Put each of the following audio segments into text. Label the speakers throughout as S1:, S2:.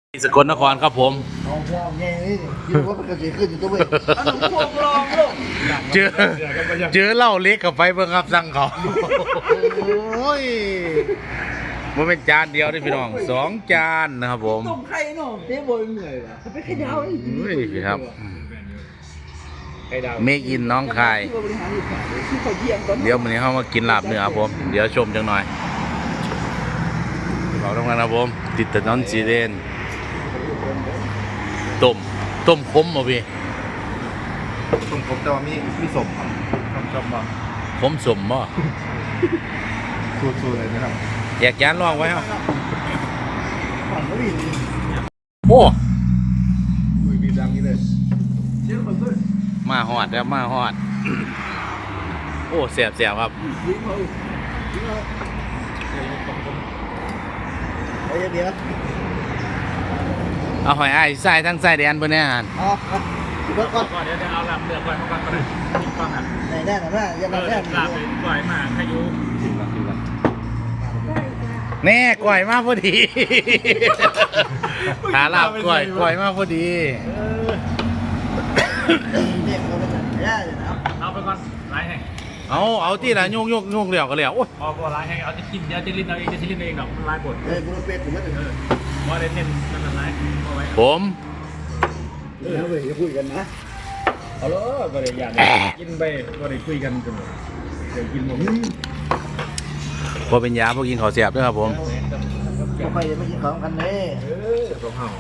S1: สกลนครครับผม
S2: เอาพวกแง่นี่คิดว่ามันก็จะขึ้นอยู่ตัวเว้ยเอาหนุ่มพวกลองลูก
S1: เจอเหล้าเล็กกับไฟเบิ่งครับสั่งเขาโอ้ยมันเป็นจานเดียวนี่พี่น้อง2 จานนะครับผม
S2: ต้มไข่เนาะเจ๊บอยเหนื่อยว่ะไปไข่ดาวนี่
S1: เฮ้ยพี่ครับเมกอินน้องคายเดี๋ยววันนี้เขามากินลาบเนื้อครับผมเดี๋ยวชมจังหน่อยเราต้องการครับผมติดถนนสีแดงต้มขมบ่พี่
S3: ต้มขมแต่ว่ามีสมต้มบ่
S1: ขมสมบ่
S3: สูตรเลยนะครับ
S1: แยกจานลองไว้ครับโอ้
S3: บีบดังนี้เลย
S1: มาฮอดแล้วมาฮอดโอ้แสบครับ
S2: เดี๋ยว
S1: เอาหอยอ้ายใส่ทั้งใส่แดนเพิ่นแน่หั่น
S2: อ๋อก่อน
S4: เดี๋ยวเอาลำเลือกก่อนก็ได้กินก่อนครับ
S2: ไหนแน่หน่อยอย่ามาแน่
S4: ลาบเป็นก่อยมาขยุ
S1: แน่ก่อยมาพอดีขาลาบก่อยมาพอดี
S2: เนี่ยเราเป็นแย่เลยนะ
S4: เอาไปก่อนไล่ให้
S1: เอาที่ละโยกเหลี่ยวก็แล้วโอ้ย
S4: พอไล่ให้เอาจะกินเดี๋ยวจะลิ้นเอาเองจะลิ้นเองดอกไล่บด
S2: บุรุษเป็ดผมไม่ถึง
S4: ว่าได้เน้นนั่นไล่เอาไว้
S1: ผม
S2: แล้วเว้ยจะคุยกันนะ
S4: เอาเลยบริยานกินไปบริคุยกันกันเดี๋ยวกินหมด
S1: พอเป็นยาพวกกินข้าวแซ่บด้วยครับผม
S2: ไปไม่กินของกันเลย
S4: ของเฮา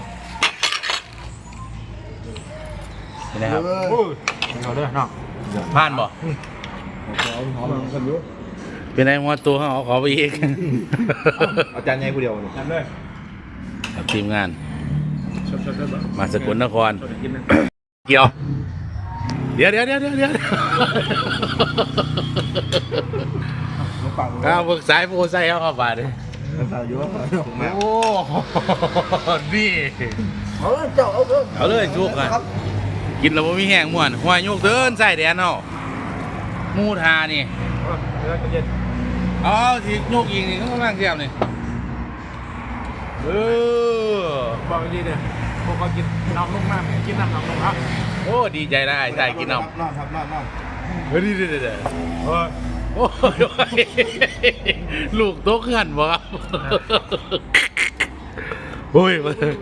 S1: นี่นะครับ
S4: เอาด้วยเนาะ
S1: ผ่านบ่
S3: หอมกันอยู่
S1: เป็นไงหัวตัวเขาขอไปอีก
S3: อาจารย์ใหญ่ผู้เดียว
S4: ทำเลย
S1: ทีมงานมาสกลนครเกี่ยวเดี๋ยวก้าวเบิกสายโพไซเขาเข้ามาเลยโอ้นี่เอาเลยชุกกันกินแล้วไม่มีแห้งม่วนหัวยุกเดินใส่แดนเอามูทานี่อ๋อที่ยุกยิงนี่เขาล่างเทียมนี่
S4: บอกดีเนี่ยพวกเขากินน้ำลงมากกินน้ำลงครับ
S1: โอ้ดีใจนะไอ้ใส่กินน้ำ
S3: นอนครับนอน
S1: เฮ้ยเดี๋ยวโอ้ยลูกโต๊ะขันบ่ครับโอ้ย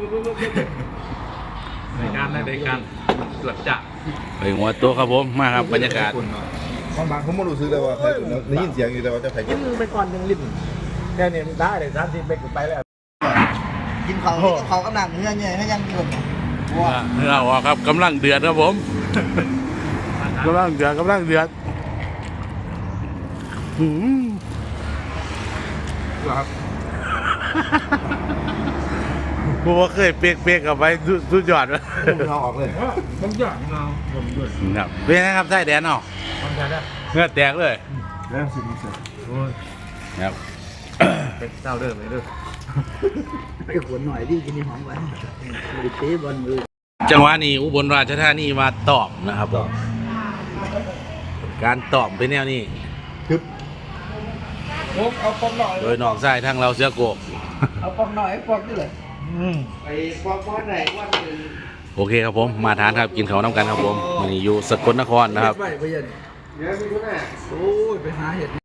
S4: ในการเกือบจะ
S1: ไปหัวโต๊ะครับผมมาครับบรรยากาศ
S3: บางผมไม่รู้สึกเลยว่าใครได้ยินเสียงอยู่แต่ว่าจะใครกิน
S4: ไปก่อนยังลิ้นเนี่ยได้เลย30 เมตรไปแล้ว
S2: กินเขากำลังเนื้อเนี่ยให้ยังกิน
S1: เนื้อออกครับกำลังเดือดครับผมกำลังเดือด
S3: ครับ
S1: กูว่าเคยเปียกกับไปสุดยอดเลย
S3: เอาออกเลย
S4: ต้องหยอดเงา
S1: ครับเป็นไงครับไส้แดนเนาะเนื้อแตกเลย
S3: แล้วสิมีเสีย
S1: ครับ
S4: เป็นเจ้าเดิมเลยด้วย
S2: ไปขวนหน่อยดิกินนี่หอมไว้ไปเตะบอลมือ
S1: จังหวะนี้อุบลราชธานีมาตอบนะครับการตอบเป็นแนวนี้
S3: คือเอาปองหน่อย
S1: โดยนอกไส้ทางเราเสือโกก
S2: เอาปองหน่อยปองนี่เลยไปปองไหนวันนึง
S1: โอเคครับผมมาทานครับกินข้าวน้ำกันครับผมวันนี้อยู่สกลนครนะครับ
S2: ไปยันเดี๋ยวมีคนแน่โอ้ยไปหาเห็ด